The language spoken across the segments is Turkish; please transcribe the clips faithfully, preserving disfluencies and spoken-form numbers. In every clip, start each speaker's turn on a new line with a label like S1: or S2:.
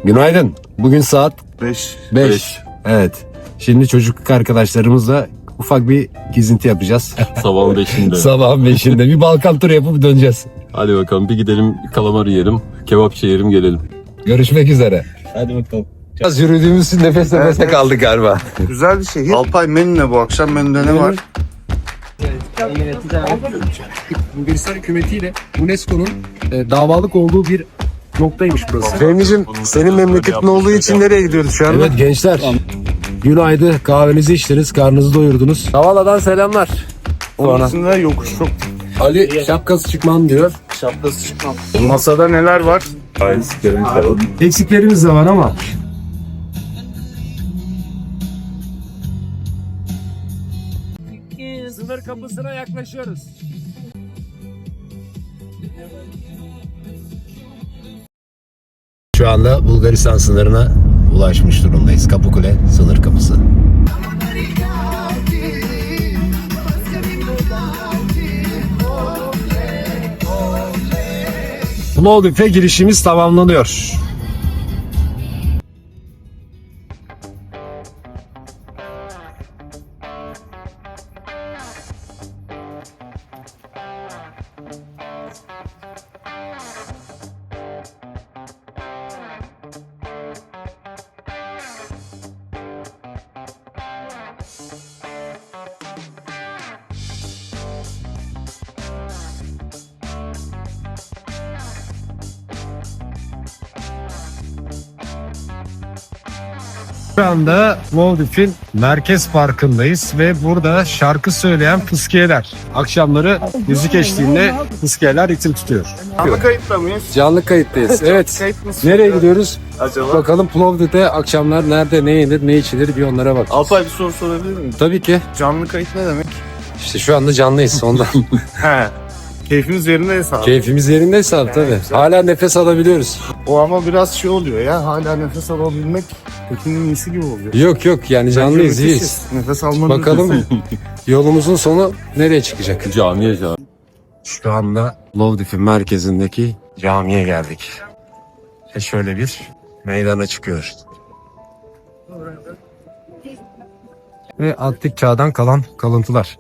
S1: Günaydın. Bugün saat
S2: beş.
S1: beş. Evet. Şimdi çocukluk arkadaşlarımızla ufak bir gezinti yapacağız.
S3: Sabahın beşinde.
S1: Sabahın beşinde bir Balkan turu yapıp döneceğiz.
S3: Hadi bakalım bir gidelim kalamar yiyelim. Kebapçı yiyelim gelelim.
S1: Görüşmek üzere.
S3: Hadi bakalım.
S1: Biraz yürüdüğümüz için nefes nefese
S2: Evet.
S1: kaldık galiba.
S2: Güzel bir şehir. Alpay menü ne bu akşam? Menüde ne var?
S4: Bulgaristan hükümetiyle UNESCO'nun e, davalık olduğu bir noktaymış burası.
S1: Fehmi'cim senin memleketin olduğu için nereye gidiyoruz şu anda? Evet gençler. Günaydın. Kahvenizi içtiniz, karnınızı doyurdunuz. Havala'dan selamlar.
S2: Onun içinde yokuş çok.
S1: Ali şapkası çıkmam diyor.
S2: Şapkası çıkmam. Masada neler var?
S1: Eksiklerimiz de var ama. Sınır kapısına yaklaşıyoruz. Şu anda Bulgaristan sınırına ulaşmış durumdayız. Kapıkule sınır kapısı. Plovdiv'e girişimiz tamamlanıyor. Şu anda Plovdiv'in Merkez Parkı'ndayız ve burada şarkı söyleyen fıskiyeler. Akşamları müzik eşliğinde fıskiyeler ritim tutuyor.
S2: Canlı kayıtta mıyız?
S1: Canlı kayıttayız. Evet.
S2: Kayıt nasıl
S1: Nereye
S2: oluyor
S1: gidiyoruz?
S2: acaba?
S1: Bakalım Plovdiv'de akşamlar nerede, ne yenir, ne içilir bir onlara bak.
S2: Alpay bir soru sorabilir miyim?
S1: Tabii ki.
S2: Canlı kayıt ne demek?
S1: İşte şu anda canlıyız ondan.
S2: He. Keyfimiz yerindeyse abi.
S1: Keyfimiz yerindeyse abi tabii. Hala nefes alabiliyoruz.
S2: O ama biraz şey oluyor ya. Hala nefes alabilmek kötünün iyisi gibi oluyor.
S1: Yok yok yani canlıyız,
S2: Bence
S1: iyiyiz.
S2: müthişiz. Nefes almanın
S1: Bakalım
S2: ötesi.
S1: yolumuzun sonu nereye çıkacak?
S3: Camiye cami.
S1: Şu anda Plovdiv'in merkezindeki camiye geldik. Ve şöyle bir meydana çıkıyoruz. Ve antik çağdan kalan kalıntılar.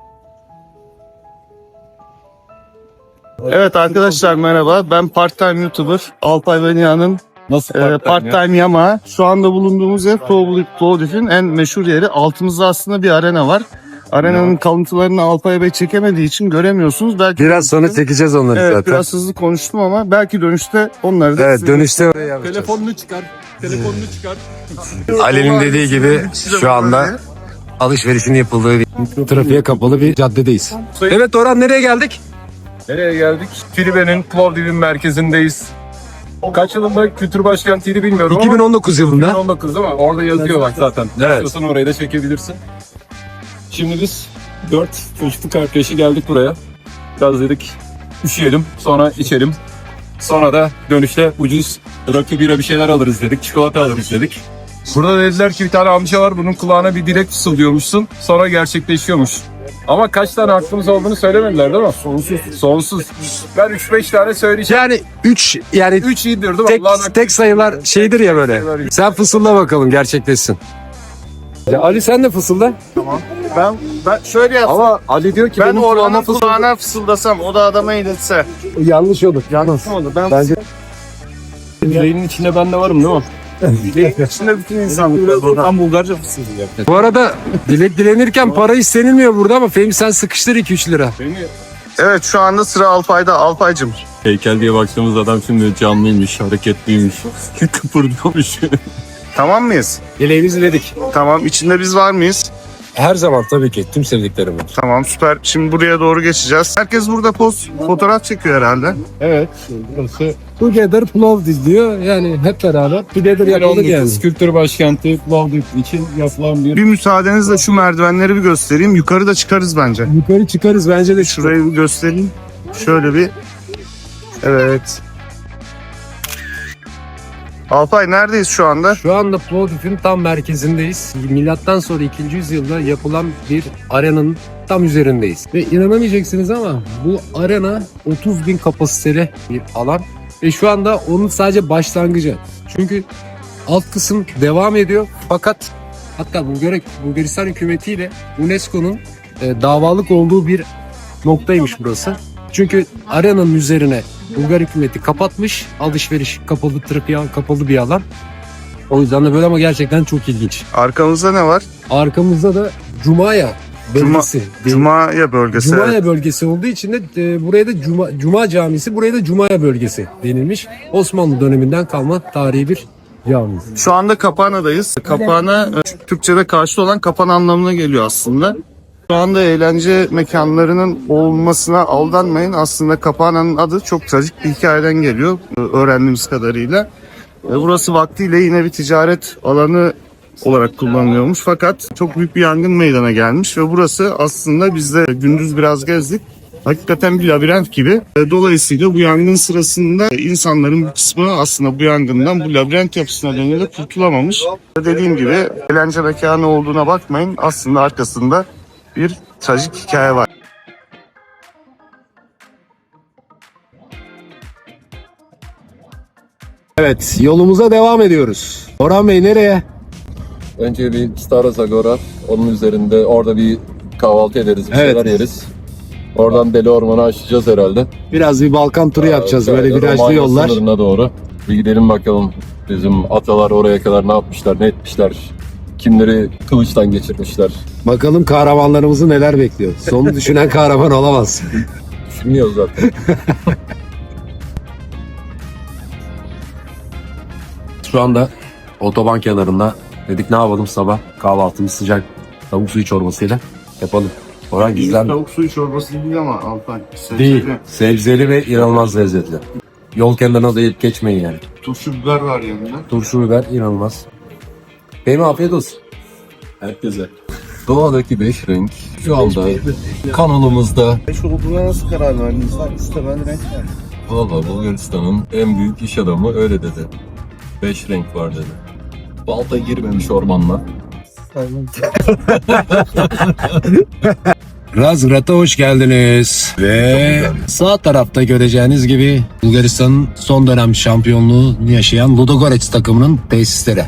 S2: Evet arkadaşlar merhaba. Ben part-time YouTuber Alpay ve Nihan'ın
S3: Nasıl
S2: e, part-time yama. Şu anda bulunduğumuz yer Plovdiv- Plovdiv'in en meşhur yeri. Altımızda aslında bir arena var. Arenanın kalıntılarını Alpay Bey çekemediği için göremiyorsunuz. Belki
S1: Biraz sonra çekeceğiz onları
S2: evet,
S1: zaten.
S2: biraz hızlı konuştum ama belki dönüşte onları da
S1: Evet
S2: size-
S1: dönüşte oraya yapacağız.
S3: Telefonunu çıkar. Telefonunu çıkar.
S1: Ali'nin dediği gibi şu anda alışverişin yapıldığı bir trafiğe kapalı bir caddedeyiz. Evet Orhan nereye geldik?
S5: Nereye geldik? Tribe'nin Plovdiv'in merkezindeyiz. Kaç yılında kültür başkentiydi bilmiyorum
S1: iki bin on dokuz
S5: ama
S1: yılında.
S5: iki bin on dokuz değil mi? Orada yazıyor bak zaten.
S1: Evet.
S5: İstiyorsan orayı da çekebilirsin. Şimdi biz dört çocukluk arkadaşı geldik buraya. Biraz dedik üşüyelim, sonra içelim. Sonra da dönüşte ucuz rakı bira bir şeyler alırız dedik, çikolata alırız dedik. Burada dediler ki bir tane amca var, bunun kulağına bir dilek fısıldıyormuşsun, sonra gerçekleşiyormuş. Ama kaç tane hakkımız olduğunu söylemediler değil mi? Sonsuz. Sonsuz. Ben üç beş tane söyleyeceğim.
S1: Yani üç yani
S5: üç iyidir değil mi?
S1: tek,
S5: Allah'ın hakkı.
S1: tek sayılar şeydir ya böyle. Sen fısılda bakalım gerçekleşsin. Ya Ali sen de fısılda.
S2: Ben, ben şöyle yapsam.
S1: Ama Ali diyor ki
S2: Ben
S1: benim
S2: Orhan'ın
S1: kulağıma fısılda.
S2: kulağına fısıldasam o da adama iletse.
S1: Yanlış olur.
S2: Yanlış mı olur? Ben
S1: Bence
S5: Dileğinin içinde ben de varım değil mi?
S2: dileğin içinde bütün insanlık var.
S5: Tam Bulgarca fısıldayacak.
S1: bu arada dilek dilenirken para istenilmiyor burada ama Fehmi sen sıkıştır iki üç lira.
S2: Evet şu anda sıra Alpay'da. Alpay'cım.
S3: Heykel diye baktığımız adam şimdi canlıymış, hareketliymiş, kıpırdıyormuş.
S2: Tamam mıyız?
S1: Dileğimizi diledik.
S2: Tamam. İçinde biz var mıyız?
S1: Her zaman tabii ki tüm sevdiklerim var.
S2: Tamam süper. Şimdi buraya doğru geçeceğiz. Herkes burada poz fotoğraf çekiyor herhalde.
S1: Evet. Burası Together Plovdiv diyor. Yani hep beraber Together yapılır yani.
S5: Kültür başkenti Plovdiv için yapılan bir
S2: Bir müsaadenizle şu merdivenleri bir göstereyim. Yukarı da çıkarız bence.
S1: Yukarı çıkarız bence de şuraya.
S2: Şurayı bir göstereyim. Şöyle bir. Evet. Alpay neredeyiz şu anda?
S1: Şu anda Plovdiv'in tam merkezindeyiz. Milattan sonra ikinci yüzyılda yapılan bir arenanın tam üzerindeyiz. Ve inanamayacaksınız ama bu arena otuz bin kapasiteli bir alan. Ve şu anda onun sadece başlangıcı.
S4: Çünkü alt kısım devam ediyor fakat hatta Bulgar Bulgaristan hükümetiyle UNESCO'nun e, davalık olduğu bir noktaymış burası. Çünkü arenanın üzerine Bulgar hükümeti kapatmış. Alışveriş kapalı, trafiğe kapalı bir alan. O yüzden de böyle ama gerçekten çok ilginç.
S2: Arkamızda ne var?
S4: Arkamızda da Cumaya bölgesi.
S2: Cumaya bölgesi.
S4: Cumaya
S2: evet.
S4: bölgesi olduğu için de e, buraya da Cuma, Cuma Camisi, buraya da Cumaya bölgesi denilmiş. Osmanlı döneminden kalma tarihi bir cami.
S2: Şu anda Kapana'dayız. Kapana e, Türkçe'de karşı olan kapan anlamına geliyor aslında. Şu anda eğlence mekanlarının olmasına aldanmayın. Aslında Kapana'nın adı çok trajik bir hikayeden geliyor e, öğrendiğimiz kadarıyla. E, Burası vaktiyle yine bir ticaret alanı olarak kullanılıyormuş. Fakat çok büyük bir yangın meydana gelmiş ve burası aslında biz de gündüz biraz gezdik. Hakikaten bir labirent gibi. E, Dolayısıyla bu yangın sırasında insanların bir kısmı aslında bu yangından bu labirent yapısına nedeniyle kurtulamamış. Dediğim gibi eğlence mekanı olduğuna bakmayın. Aslında arkasında bir trajik hikaye var.
S1: Evet, yolumuza devam ediyoruz. Orhan Bey nereye?
S3: Önce bir Stara Zagora. Onun üzerinde orada bir kahvaltı ederiz. Bir
S1: Evet.
S3: şeyler yeriz. Oradan Deli Orman'ı aşacağız herhalde.
S1: Biraz bir Balkan turu yapacağız, böyle
S3: Şöyle
S1: virajlı
S3: Romanya
S1: yollar.
S3: sınırına doğru. Bir gidelim bakalım. Bizim atalar oraya kadar ne yapmışlar, ne etmişler. Kimleri kılıçtan geçirmişler.
S1: Bakalım kahramanlarımızı neler bekliyor. Sonu düşünen kahraman olamaz.
S3: Düşünmüyoruz zaten.
S6: Şu anda otoban kenarında dedik ne yapalım sabah kahvaltımız sıcak tavuk suyu çorbasıyla yapalım. Orhan güzel mi?
S2: Tavuk suyu çorbası değil ama Alpan.
S6: Değil. Sebzeli ve inanılmaz lezzetli. Yol kenarına da yiyip geçmeyin yani.
S2: Turşu biber var yanında.
S6: Turşu biber inanılmaz. Benim afiyet olsun.
S3: Herkese. Doğadaki beş renk şu anda kanalımızda.
S2: Beş olduğuna nasıl karar verdiniz? Usta ben renk var.
S3: Valla Bulgaristan'ın en büyük iş adamı öyle dedi. Beş renk var dedi. Balta girmemiş ormanla.
S1: Razgrad'a hoş geldiniz. Ve sağ tarafta göreceğiniz gibi Bulgaristan'ın son dönem şampiyonluğunu yaşayan Ludogorets takımının tesisleri.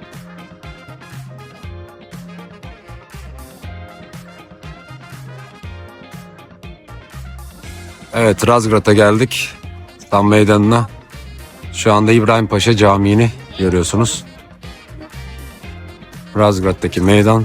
S1: Evet, Razgrad'a geldik. Tam meydanına. Şu anda İbrahim Paşa Camii'ni görüyorsunuz. Razgrad'daki meydan.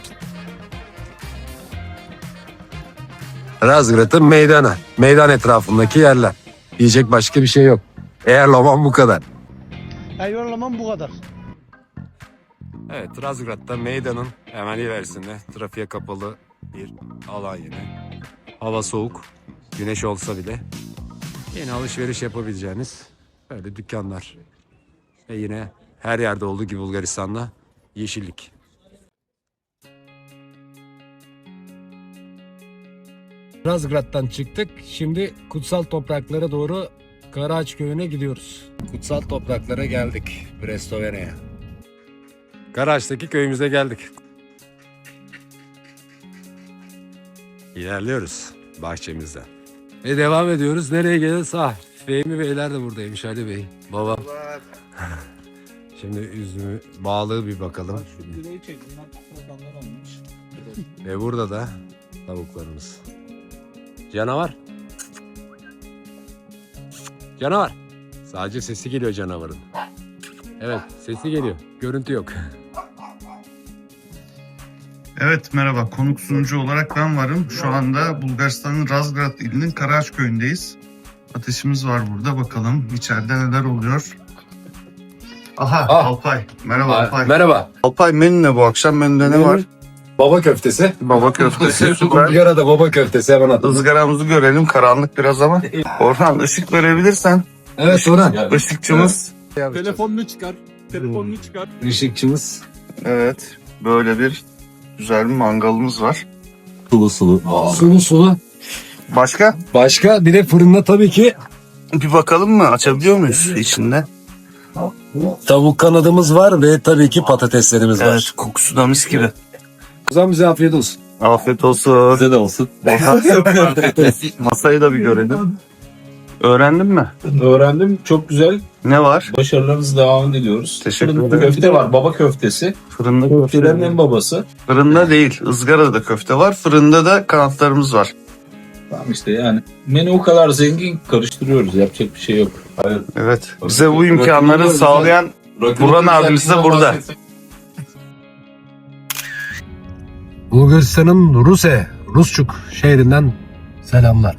S1: Razgrad'ın meydanı. Meydan etrafındaki yerler. Diyecek başka bir şey yok. Eğerleman bu kadar.
S7: Eğerleman bu kadar.
S1: Evet, Razgrad'da meydanın hemen ilerisinde trafiğe kapalı bir alan yine. Hava soğuk, güneş olsa bile yine alışveriş yapabileceğiniz böyle dükkanlar. Ve yine her yerde olduğu gibi Bulgaristan'da yeşillik. Razgrad'dan çıktık. Şimdi kutsal topraklara doğru Karaağaç köyüne gidiyoruz. Kutsal topraklara geldik. Brestovene'ye. Karaağaç'taki köyümüze geldik. İlerliyoruz bahçemizden. Ve devam ediyoruz. Nereye geliriz? Ah, Fehmi Beyler de buradaymış, Ali Bey. Baba. Şimdi üzümü, bağlığı bir bakalım. Ve burada da tavuklarımız. Canavar. Canavar. Sadece sesi geliyor canavarın. Evet, sesi geliyor. Görüntü yok.
S2: Evet merhaba, konuk sunucu olarak ben varım. Şu anda Bulgaristan'ın Razgrad ilinin Karaağaç köyündeyiz. Ateşimiz var burada, bakalım içeride neler oluyor. Aha
S1: Ah.
S2: Alpay. Merhaba Alpay.
S1: Merhaba.
S2: Alpay menü ne bu akşam? Menüde ne var?
S1: Baba köftesi.
S2: Baba köftesi süper.
S1: Izgarada baba köftesi hemen atalım.
S2: Izgaramızı görelim, karanlık biraz ama. Orhan ışık verebilirsen.
S1: Evet Orhan.
S2: Işıkçımız.
S3: Telefonunu çıkar. Telefonunu çıkar.
S1: Işıkçımız.
S2: Evet böyle bir güzel bir mangalımız var.
S3: Sulu sulu.
S1: Sulu sulu.
S2: Başka?
S1: Başka bir de fırında tabii ki
S2: Bir bakalım mı? Açabiliyor muyuz içinde?
S1: tavuk kanadımız var ve tabii ki patateslerimiz
S2: Evet
S1: var.
S2: kokusu da mis gibi.
S1: O zaman bize afiyet olsun.
S2: Afiyet olsun.
S3: Size de olsun.
S2: Masayı da bir görelim. Öğrendin mi?
S8: Öğrendim. Çok güzel.
S2: Ne var?
S8: Başarılarınızı devam diliyoruz.
S2: Teşekkür
S8: Fırında
S2: ederim.
S8: köfte var. Baba köftesi.
S2: Fırında
S8: Köftelerin
S2: köfte.
S8: en babası.
S2: Fırında değil, ızgarada da köfte var. Fırında da kanatlarımız var.
S8: Tamam işte yani. Menü o kadar zengin, karıştırıyoruz. Yapacak bir şey yok.
S3: Hayır.
S2: Evet. Bize bu imkanları sağlayan Burhan abimiz de burada.
S4: Bulgaristan'ın Ruse, Rusçuk şehrinden selamlar.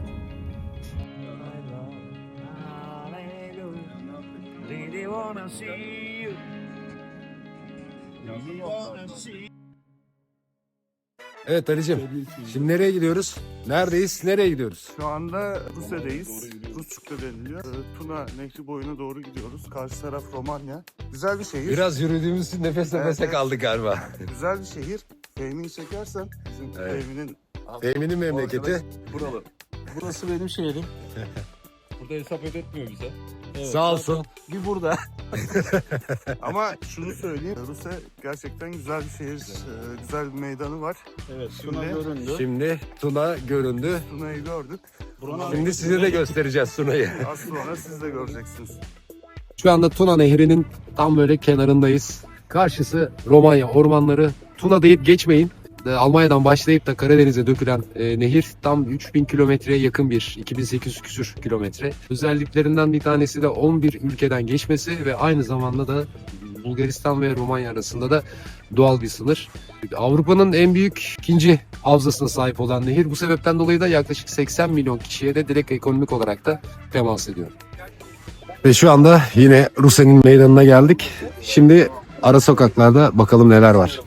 S1: Evet Ali'cim. Şimdi nereye gidiyoruz? Neredeyiz? Nereye gidiyoruz?
S2: Şu anda Rusya'dayız. Rusçuk'ta deniliyor. Ee, Tuna Nehri boyuna doğru gidiyoruz. Karşı taraf Romanya. Güzel bir şehir.
S1: Biraz yürüdüğümüz için nefes
S2: Evet,
S1: nefese
S2: evet.
S1: kaldık galiba.
S2: Güzel bir şehir. Fehmi'yi çekersen bizim
S1: Evet.
S2: Fehmi'nin
S1: Fehmi'nin memleketi.
S8: Buralı. Burası benim şehrim. Burada hesap ödetmiyor bize.
S1: Sağ olsun.
S8: Bir burada.
S2: ama şunu söyleyeyim. Rusya gerçekten güzel bir şehir. Ee, güzel bir meydanı var.
S8: Evet.
S2: Şimdi-
S8: Tuna göründü.
S1: Şimdi Tuna göründü.
S2: Tuna'yı gördük.
S1: Şimdi size de göstereceğiz Tuna'yı.
S2: Az sonra siz de göreceksiniz.
S4: Şu anda Tuna Nehri'nin tam böyle kenarındayız. Karşısı Romanya ormanları. Tuna deyip geçmeyin. E, Almanya'dan başlayıp da Karadeniz'e dökülen e, nehir tam üç bin kilometreye yakın bir iki bin sekiz yüz küsür kilometre. Özelliklerinden bir tanesi de on bir ülkeden geçmesi ve aynı zamanda da Bulgaristan ve Romanya arasında da doğal bir sınır. Avrupa'nın en büyük ikinci havzasına sahip olan nehir. Bu sebepten dolayı da yaklaşık seksen milyon kişiye de direkt ekonomik olarak da temas ediyor.
S1: Ve şu anda yine Rusya'nın meydanına geldik. Şimdi ara sokaklarda bakalım neler var.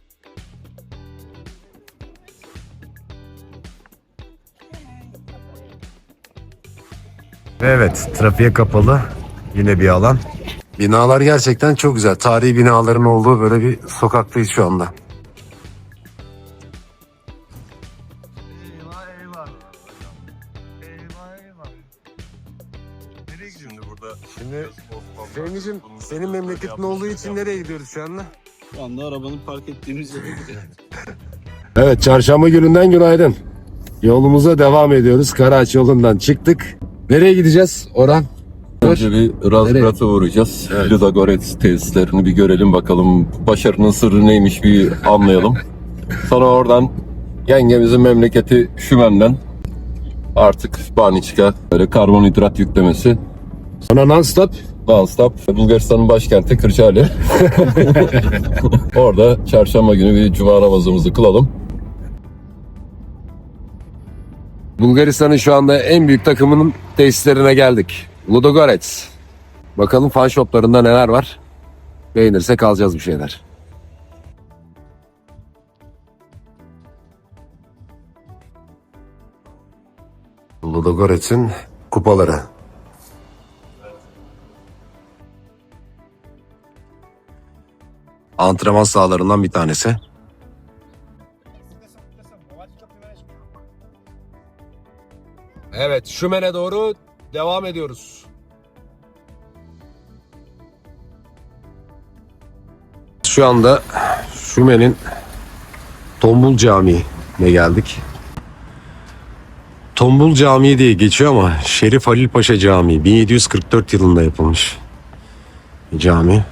S1: Evet, trafiğe kapalı yine bir alan. Binalar gerçekten çok güzel. Tarihi binaların olduğu böyle bir sokaktayız şu anda.
S2: Eyvah eyvah. Eyvah eyvah. Nereye gidiyorsun burada?
S1: Şimdi Fehmi'cim senin memleketin olduğu için nereye gidiyoruz şu anda?
S8: Şu anda arabanın park ettiğimiz yere gidiyoruz.
S1: Evet, çarşamba gününden günaydın. Yolumuza devam ediyoruz. Karaağaç yolundan çıktık. Nereye gideceğiz Orhan?
S3: Önce bir Razgrad'a uğrayacağız.
S1: Evet.
S3: Ludogorets tesislerini bir görelim bakalım. Başarının sırrı neymiş bir anlayalım. Sonra oradan yengemizin memleketi Şümen'den artık Baniçka böyle karbonhidrat yüklemesi.
S1: Sonra non-stop.
S3: Non-stop Bulgaristan'ın başkenti Kırçali. Orada çarşamba günü bir cuma namazımızı kılalım.
S1: Bulgaristan'ın şu anda en büyük takımının tesislerine geldik. Ludogorets. Bakalım fan shoplarında neler var. Beğenirsek alacağız bir şeyler. Ludogorets'in kupaları. Antrenman sahalarından bir tanesi. Evet, Şümen'e doğru devam ediyoruz. Şu anda Şümen'in Tombul Camii'ne geldik. Tombul Camii diye geçiyor ama Şerif Halil Paşa Camii bin yedi yüz kırk dört yılında yapılmış bir cami.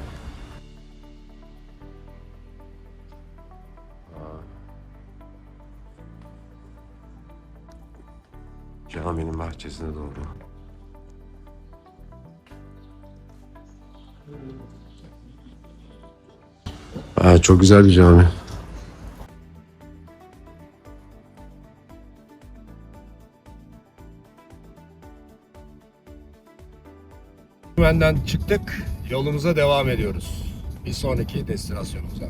S1: Caminin bahçesine doğru. Aa, çok güzel bir cami. Benden çıktık. Yolumuza devam ediyoruz. Bir sonraki destinasyonumuza.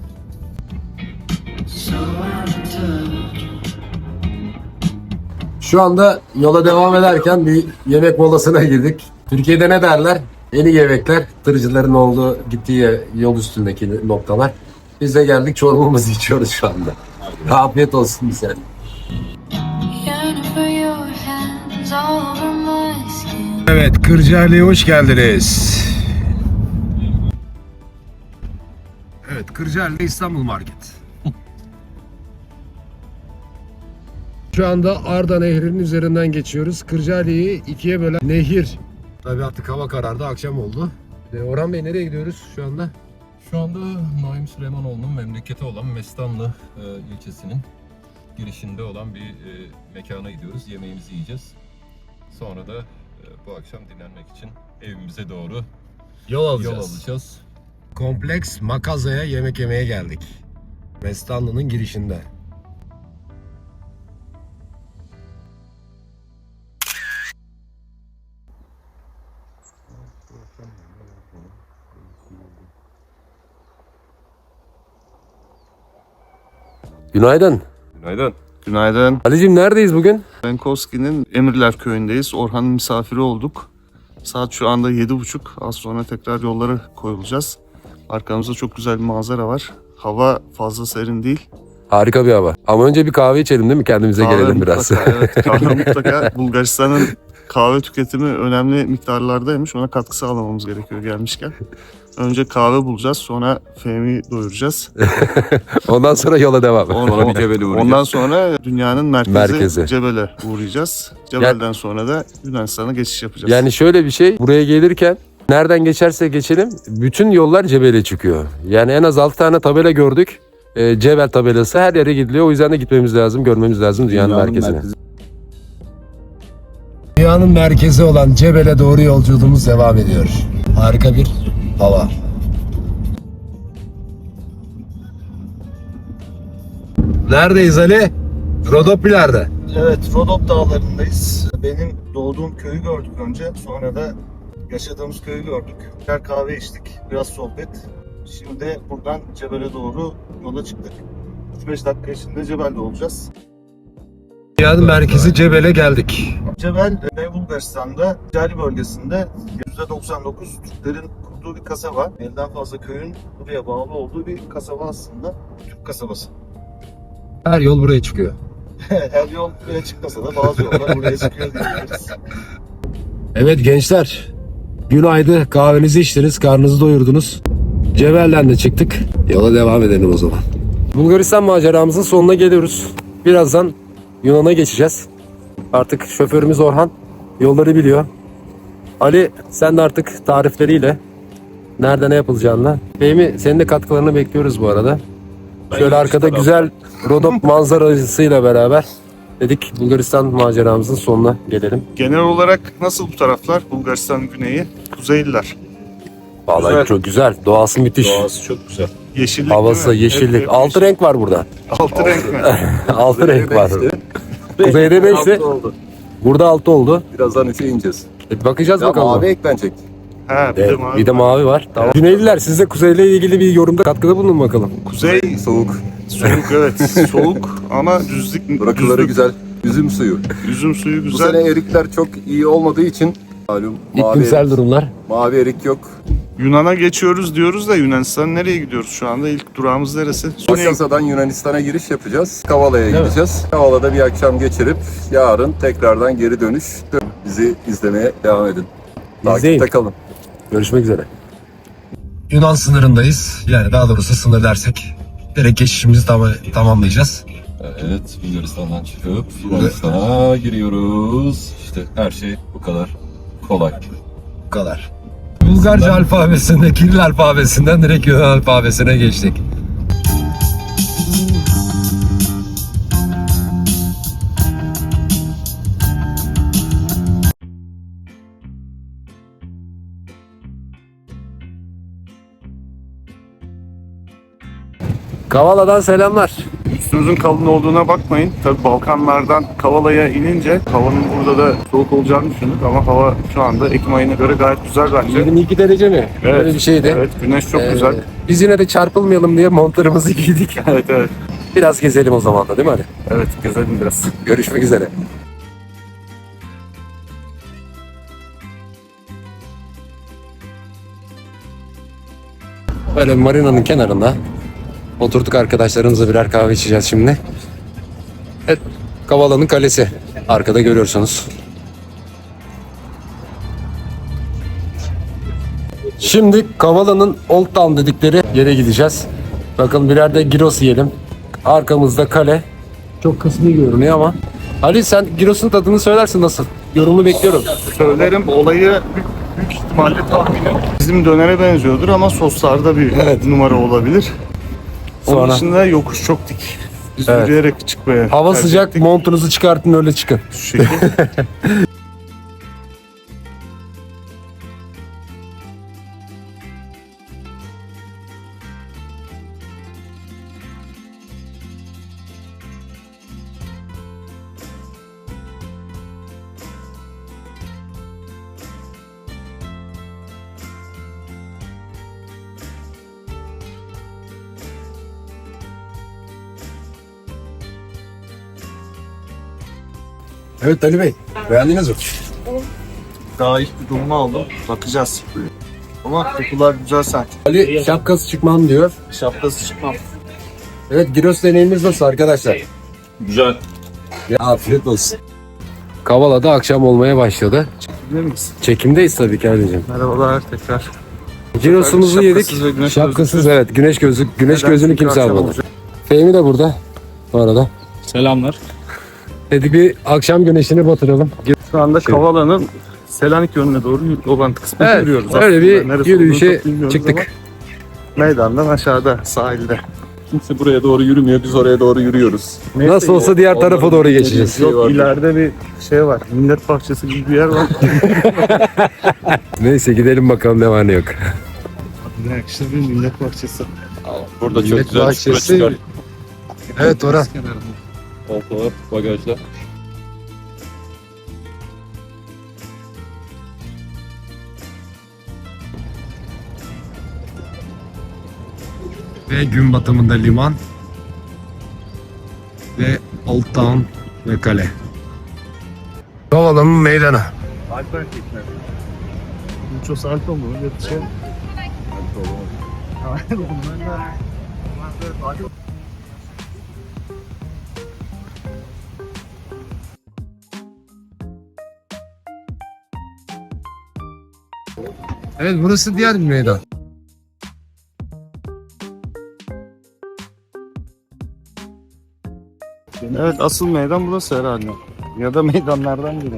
S1: Şu anda yola devam ederken bir yemek molasına girdik. Türkiye'de ne derler? Yeni yemekler, tırcıların olduğu, gittiği yol üstündeki noktalar. Biz de geldik, çorbamızı içiyoruz şu anda. Afiyet olsun bize. Evet, Kırcaali'ye hoş geldiniz. Evet, Kırcaali İstanbul Market.
S4: Şu anda Arda Nehri'nin üzerinden geçiyoruz. Kırcaali'yi ikiye bölen nehir. Tabii artık hava karardı, akşam oldu. E, Orhan Bey nereye gidiyoruz şu anda?
S3: Şu anda Naim Süleymanoğlu'nun memleketi olan Mestanlı e, ilçesinin girişinde olan bir e, mekana gidiyoruz. Yemeğimizi yiyeceğiz. Sonra da e, bu akşam dinlenmek için evimize doğru
S4: Yol alacağız.
S3: yol alacağız.
S4: Kompleks Makaza'ya yemek yemeye geldik. Mestanlı'nın girişinde.
S6: Günaydın.
S3: Günaydın.
S2: Günaydın.
S6: Ali'cim neredeyiz bugün?
S2: Benkovski'nin Emirler Köyü'ndeyiz. Orhan'ın misafiri olduk. Saat şu anda yedi buçuk. Az sonra tekrar yollara koyulacağız. Arkamızda çok güzel bir manzara var. Hava fazla serin değil.
S6: Harika bir hava. Ama önce bir kahve içelim değil mi? Kendimize
S2: Kahve
S6: gelelim biraz.
S2: mutlaka, evet, kahve mutlaka. Bulgaristan'ın kahve tüketimi önemli miktarlardaymış. Ona katkı sağlamamız gerekiyor gelmişken. Önce kahve bulacağız, sonra Fehmi'yi doyuracağız.
S6: Ondan sonra yola devam.
S2: Ondan,
S3: bir Cebel'e uğrayacağız.
S2: ondan sonra dünyanın merkezi,
S6: Merkezi.
S2: Cebel'e uğrayacağız. Cebel'den sonra da Yunanistan'a geçiş yapacağız.
S6: Yani şöyle bir şey, buraya gelirken nereden geçerse geçelim bütün yollar Cebel'e çıkıyor. Yani en az altı tane tabela gördük. E, Cebel tabelası her yere gidiliyor. O yüzden de gitmemiz lazım, görmemiz lazım dünyanın,
S3: Dünyanın
S6: merkezine.
S3: merkezi.
S4: Dünyanın merkezi olan Cebel'e doğru yolculuğumuz devam ediyor. Harika bir hava. Neredeyiz Ali? Rodopiler'de.
S2: Evet, Rodop Dağları'ndayız. Benim doğduğum köyü gördük önce. Sonra da yaşadığımız köyü gördük. Birer kahve içtik, biraz sohbet. Şimdi buradan Cebel'e doğru yola çıktık. üç beş dakika içinde Cebel'de olacağız.
S4: Dünyanın merkezi Cebel'e geldik.
S2: Cebel, Güney Bulgaristan'da Cali bölgesinde yüzde doksan dokuz Türklerin kurduğu bir kasaba. Elden fazla köyün buraya bağlı olduğu bir kasaba aslında. Türk kasabası.
S4: Her yol buraya çıkıyor.
S2: Her yol buraya çıkmasa da bazı yollar buraya çıkıyor diyebiliriz.
S4: Evet gençler, günaydın, kahvenizi içtiniz, karnınızı doyurdunuz. Cebel'den de çıktık, yola devam edelim o zaman.
S6: Bulgaristan maceramızın sonuna geliyoruz. Birazdan Yunan'a geçeceğiz. Artık şoförümüz Orhan yolları biliyor. Ali sen de artık tarifleriyle nerede ne yapılacağını. Fehmi senin de katkılarını bekliyoruz bu arada. Şöyle arkada güzel Rodop manzarasıyla beraber dedik Bulgaristan maceramızın sonuna gelelim.
S2: Genel olarak nasıl bu taraflar? Bulgaristan güneyi, Kuzeyliler.
S6: Vallahi
S3: Güzel.
S6: çok güzel. Doğası müthiş.
S3: Doğası çok güzel.
S2: Yeşillik
S6: Havası,
S2: değil mi?
S6: yeşillik.
S2: Hep- hep
S6: Altı
S2: yeşil.
S6: renk var burada.
S2: Altı renk mi?
S6: Altı renk var. Kuzeyde beşti.
S3: oldu.
S6: Burada altı oldu.
S3: Birazdan üçe ineceğiz.
S6: E, bakacağız
S3: Ya
S6: bakalım.
S3: mavi eklenecek.
S2: Ha, bir
S6: Evet,
S2: de mavi.
S6: bir de mavi var. Tamam. Güneyliler siz de kuzeyle ilgili bir yorumda katkıda bulunun bakalım.
S2: Kuzey
S3: Soğuk.
S2: soğuk, evet. Soğuk ama düzlük.
S3: Rakıları
S2: düzlük.
S3: güzel. Üzüm suyu.
S2: Üzüm suyu
S3: Bu
S2: güzel.
S3: sene erikler çok iyi olmadığı için malum mavi
S6: İklimsel
S3: erik,
S6: durumlar.
S3: mavi erik yok.
S2: Yunan'a geçiyoruz diyoruz da Yunanistan nereye gidiyoruz şu anda? İlk durağımız neresi? Güney.
S3: Makasa'dan Yunanistan'a giriş yapacağız. Kavala'ya gideceğiz. Kavala'da bir akşam geçirip yarın tekrardan geri dönüş. Bizi izlemeye devam edin.
S6: İzleyin.
S3: Takipte kalın.
S6: Görüşmek üzere.
S4: Yunan sınırındayız. Yani daha doğrusu sınır dersek direkt geçişimizi tam tamamlayacağız.
S3: Evet, Bulgaristan'dan çıkıp Yunanistan'a giriyoruz. İşte her şey bu kadar kolay.
S4: Bu kadar. Bulgarca alfabesinde, Kiril alfabesinden direkt Yunan alfabesine geçtik.
S6: Kavala'dan selamlar.
S2: Üstünüzün kalın olduğuna bakmayın. Tabii Balkanlardan Kavala'ya inince havanın burada da soğuk olacağını düşündük ama hava şu anda Ekim ayına göre gayet güzel bence.
S6: yirmi iki derece mi?
S2: Evet.
S6: Öyle bir şeydi.
S2: Evet, güneş çok
S6: Ee,
S2: güzel.
S6: Biz yine de çarpılmayalım diye montlarımızı giydik.
S2: Evet, evet.
S6: Biraz gezelim o zaman da değil mi Ali?
S2: Evet, gezelim biraz.
S6: Görüşmek üzere. Böyle marinanın kenarında oturduk, arkadaşlarımızla birer kahve içeceğiz şimdi. Evet, Kavala'nın kalesi. Arkada görüyorsunuz. Şimdi Kavala'nın Old Town dedikleri yere gideceğiz. Bakın birer de gyros yiyelim. Arkamızda kale. Çok kısmi görünüyor ama Ali sen gyrosun tadını söylersin nasıl? Yorumu bekliyorum.
S2: Söylerim, olayı büyük, büyük ihtimalle tahminim bizim dönere benziyordur ama soslarda bir
S6: Evet.
S2: numara olabilir. Onun
S6: Sonra
S2: dışında yokuş çok dik. Biz
S6: Evet.
S2: yürüyerek çıkmaya
S6: hava
S2: tercih
S6: sıcak,
S2: ettik.
S6: montunuzu çıkartın öyle çıkın.
S2: Şu şekil.
S6: Evet Ali Bey, beğendiniz mi?
S2: Daha ilk bir durumu aldım. Bakacağız. Ama kokular güzel sanki.
S6: Ali şapkası çıkmam diyor.
S2: Şapkası çıkmam.
S6: Evet, gyros deneyimimiz nasıl arkadaşlar?
S8: Güzel.
S6: Ya, afiyet olsun. Kavala'da akşam olmaya başladı.
S2: Biliyor miyiz?
S6: Çekimdeyiz tabii ki Ali'cim.
S2: Merhabalar tekrar.
S6: Gyrosumuzu yedik.
S2: Şapkasız ve güneş
S6: Şapkasız evet. Güneş gözlük. Güneş
S2: Neden?
S6: gözünü
S2: Çünkü
S6: kimse
S2: akşam
S6: almadı.
S2: olacak.
S6: Fehmi de burada. Bu arada.
S5: Selamlar.
S6: Hadi bir akşam güneşini batıralım.
S2: Şu anda Kavala'nın Selanik yönüne doğru olan kısmını
S6: Evet,
S2: yürüyoruz.
S6: öyle
S2: Aslında
S6: bir
S2: neresi
S6: yürüyüşe
S2: olduğunu çok bilmiyoruz
S6: çıktık.
S2: ama Meydandan aşağıda sahilde.
S5: Kimse buraya doğru yürümüyor. Biz oraya doğru yürüyoruz.
S6: Nasıl olsa diğer tarafa doğru geçeceğiz.
S2: Yok ileride bir şey var. Millet bahçesi gibi bir yer var.
S6: Neyse gidelim bakalım ne var ne yok.
S2: Ne yakışır bir millet bahçesi.
S5: Burada çok
S6: Millet
S5: güzel.
S6: bahçesi.
S5: Şurası çıkar.
S6: Evet Orhan.
S5: Koltuğlar, bagajlar.
S4: Ve gün batımında liman. Ve Old Town ve kale. Kavala'nın meydanı.
S2: Alper tekne. Mucho salto mu? Öyle bir şey.
S4: Evet burası diğer bir meydan.
S2: Evet asıl meydan burası herhalde. Ya da meydanlardan biri.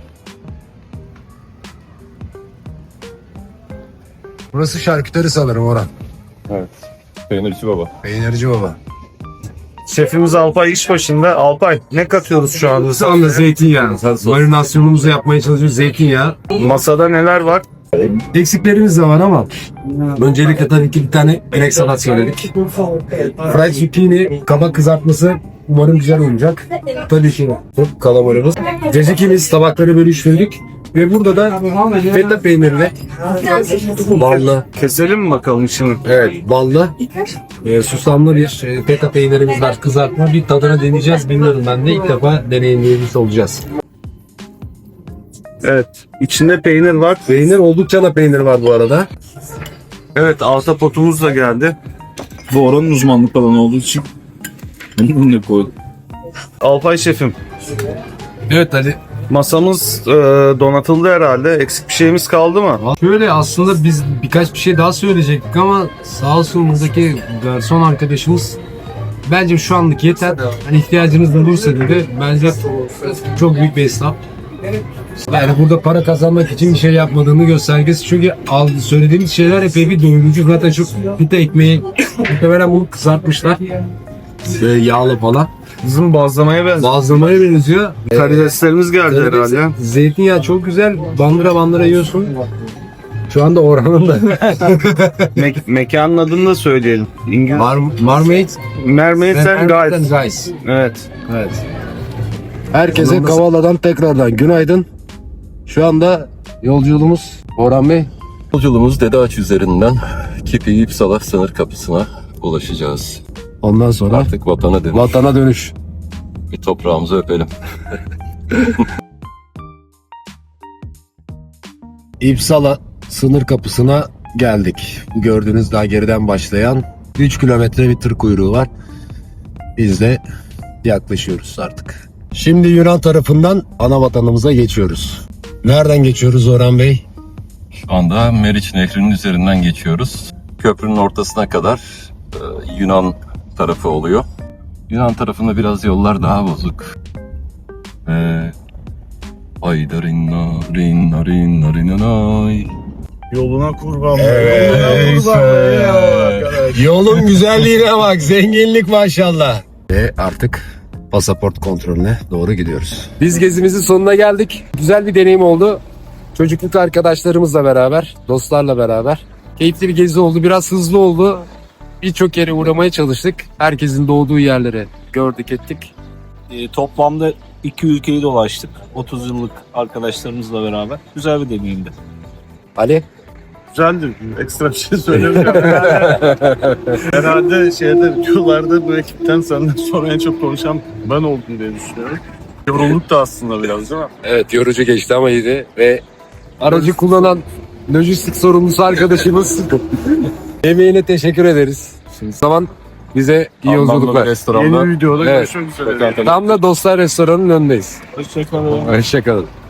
S4: Burası şarküteri sanırım Orhan.
S5: Peynirci baba.
S4: Peynirci baba.
S2: Şefimiz Alpay iş başında. Alpay ne katıyoruz şu anda?
S4: Şu anda zeytinyağı. Marinasyonumuzu yapmaya çalışıyoruz zeytinyağı.
S2: Masada neler var?
S4: Eksiklerimiz de var ama öncelikle tabii ki bir tane inek salat söyledik. Fried zucchini, kabak kızartması umarım güzel olacak. Tabii ki kalamarımız. Cacikimiz tabakları bölüştürdük. Ve burada da feta peynirli, ballı,
S2: Keselim mi bakalım şimdi?
S4: evet ballı, e, susamlı bir e, feta peynirimiz var. Kızartma bir tadına deneyeceğiz. Bilmiyorum ben de ilk defa deneyimlemiş olacağız.
S2: Evet. İçinde peynir var.
S4: Peynir oldukça da peynir var bu arada.
S2: Evet ahtapotumuz da geldi.
S8: Bu oranın uzmanlık alanı olduğu için bunu ne koydum?
S2: Alpay şefim.
S4: Evet Ali.
S2: Masamız e, donatıldı herhalde. Eksik bir şeyimiz kaldı mı?
S4: Şöyle aslında biz birkaç bir şey daha söyleyecektik ama sağ olsun buradaki garson arkadaşımız bence şu anlık yeter. Hani ihtiyacınız olursa dedi. Bence çok büyük bir esnaf. Yani burada para kazanmak için bir şey yapmadığını göstergesi. Çünkü al, söylediğimiz şeyler epey bir doyurucu. Zaten çok pita ekmeği muhtemelen bunu kızartmışlar. Böyle yağlı falan.
S2: Bizim bazlamaya benziyor.
S4: Bazlamaya benziyor.
S2: Karideslerimiz geldi herhalde.
S4: Zeytinyağı çok güzel. Bandıra bandıra yiyorsun. Şu anda Orhan'ın da
S2: Me- mekanın adını da söyleyelim. İngiliz.
S4: Mar Marmite
S2: Mermaid and Guys.
S4: Guys.
S2: Evet.
S4: Evet. Herkese Kavala'dan tekrardan günaydın. Şu anda yolculuğumuz Orhan Bey.
S3: Yolculuğumuz Dede Ağaç üzerinden Kipi İpsala sınır kapısına ulaşacağız.
S4: Ondan sonra
S3: Artık vatana dönüş.
S4: vatana dönüş.
S3: Bir toprağımızı öpelim.
S4: İpsala sınır kapısına geldik. Bu gördüğünüz daha geriden başlayan üç kilometre bir tır kuyruğu var. Biz de yaklaşıyoruz artık. Şimdi Yunan tarafından ana vatanımıza geçiyoruz. Nereden geçiyoruz Orhan Bey?
S3: Şu anda Meriç Nehri'nin üzerinden geçiyoruz. Köprünün ortasına kadar e, Yunan tarafı oluyor. Yunan tarafında biraz yollar daha bozuk. Ve ay darin narin narin narinanay.
S2: Yoluna kurban.
S6: Ey sen. Yolun güzelliğine bak, zenginlik maşallah. Ve artık pasaport kontrolüne doğru gidiyoruz. Biz gezimizin sonuna geldik. Güzel bir deneyim oldu. Çocukluk arkadaşlarımızla beraber, dostlarla beraber. Keyifli bir gezi oldu. Biraz hızlı oldu. Birçok yere uğramaya çalıştık. Herkesin doğduğu yerleri gördük ettik.
S9: E, toplamda iki ülkeyi dolaştık. otuz yıllık arkadaşlarımızla beraber. Güzel bir deneyimdi.
S6: Ali?
S2: Güzeldi. Ekstra bir şey söylemiyorum. Herhalde şeyde videolarda bu ekipten senden sonra en çok konuşan ben oldum diye düşünüyorum. Yorulduk da aslında biraz değil mi?
S6: Evet, yorucu geçti ama iyiydi ve aracı kullanan lojistik sorumlusu arkadaşımız emeğine teşekkür ederiz. Şimdi zaman bize iyi yolculuklar.
S2: Yeni bir videoda
S6: Evet.
S2: görüşmek üzere.
S6: Tam da Dostlar Restoranı'nın önündeyiz.
S9: Hoşçakalın.
S6: Hoşçakalın.